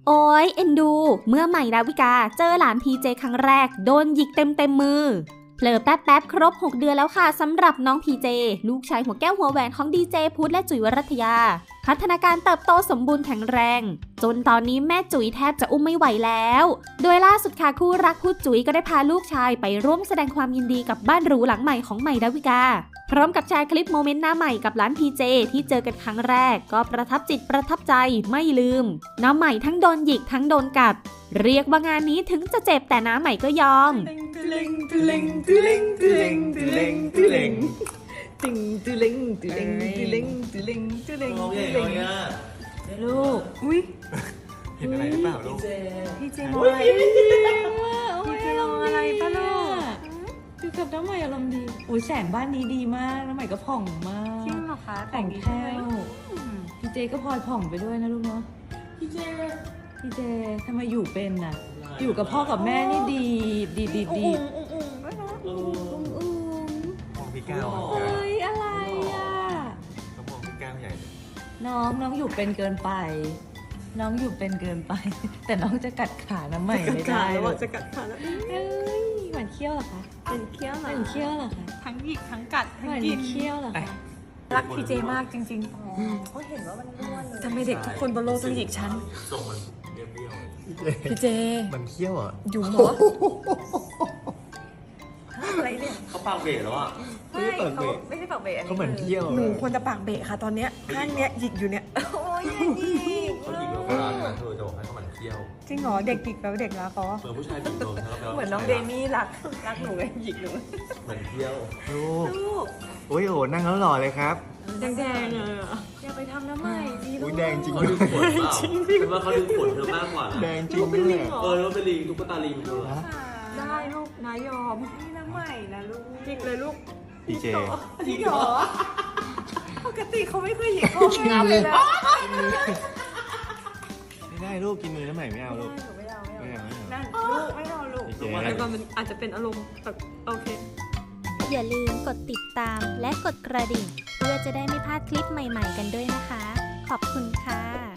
โอ้ยเอ็นดูเมื่อใหม่ดาวิกาเจอหลานพีเจครั้งแรกโดนหยิกเต็มมือเผลอแป๊บครบ6 เดือนแล้วค่ะสำหรับน้องพีเจลูกชายหัวแก้วหัวแหวนของดีเจพุทธและจุ๋ยวรัตยาพัฒนาการเติบโตสมบูรณ์แข็งแรงจนตอนนี้แม่จุ๋ยแทบจะอุ้มไม่ไหวแล้วโดยล่าสุดค่ะคู่รักพุทธจุ๋ยก็ได้พาลูกชายไปร่วมแสดงความยินดีกับบ้านหรูหลังใหม่ของใหม่ดาวิกาพร้อมกับแชร์คลิปโมเมนต์หน้าใหม่กับหลานพีเจที่เจอกันครั้งแรกก็ประทับจิตประทับใจไม่ลืมน้าใหม่ทั้งโดนหยิกทั้งโดนกัดเรียกว่างานนี้ถึงจะเจ็บแต่น้าใหม่ก็ยอมลูกอุ้ยเห็นอะไรหรือเปล่าลูกพี่เจมองอะไรพี่เจมองอะไรป้าลูกคือกับน้ำใหม่อารมณ์ดีโอ้ยแสงบ้านนี้ดีมากน้ำใหม่ก็ผ่องมากจริงเหรอคะแต่งแค่พี่เจก็พลอยผ่องไปด้วยนะลูกเนาะพี่เจทำไมอยู่เป็นน่ะอยู่กับพ่อกับแม่นี่ดีมองพี่ก้าวเอ้ยอะไรอ่ะต้องมองพี่ก้าวใหญ่เลยน้องอยู่เป็นเกินไป น้องอยู่เป็นเกินไป แต่น้องจะกัดขาน้ำใหม่ไม่ได้จะกัดขาแล้วเอ้ยหวานเคี้ยวเหรอคะเป็นเคี้ยวหวานเคี้ยวเหรอคะทั้งหยิกทั้งกัดทั้หงวานกินเคี้ยวเหรอคะรักพีเจมากจริงเขาเห็นว่ามันร่วนๆทำไมเด็กทุกคนบนโลกต้องหยิกฉันทรงมันเรียวพีเจมันเขี้ยวอ่ะอยู่หมออะไรเนี่ยเขาปากเบะแล้วอ่ะไม่เขาไม่ใช่ปากเบะเขาเหมือนเขี้ยวหนูควรจะปากเบะค่ะตอนเนี้ยข้างเนี้ยหยิกอยู่เนี่ยโอ้ยหยิกเขายิงโบราณนะเธอจะบอกให้เขาเหมือนเขี้ยวจริงเหรอเด็กหยิกแล้วเด็กรักเขาเหมือนผู้ชายยิงโดนแล้วเหมือนน้องเดมี่รักหนูไงหยิกหนูเหมือนเขี้ยวลูกลูกโอ้ยโอ้นั่งแล้วหล่อเลยครับแดงๆเลยอ่ะอย่าไปทำน้ำใหม่ดีลูอุ้กยแดงจริงเขาด้ดึวยงขนเปล่าเป็นว่าเขาดึงขนเธอมากกว่านะแดงจริงด้วยแล้วเป็นลิงตุ๊กตาลิงเธอได้ลูกนายยอมนี่น้ำใหม่นะลูกหยิกเลยลูกพีเจหยิกเหรอปกติเขาไม่เคยหยิกพ่อแม่เลยนะไม่ได้ลูกกินมือน้ำใหม่ไม่เอาลูกไม่เอาไม่เอาไม่เอานั่นลูกไม่เอาลูกโอเคแต่ก่อนมันอาจจะเป็นอารมณ์แบบโอเคอย่าลืมกดติดตามและกดกระดิ่งเพื่อจะได้ไม่พลาดคลิปใหม่ๆกันด้วยนะคะขอบคุณค่ะ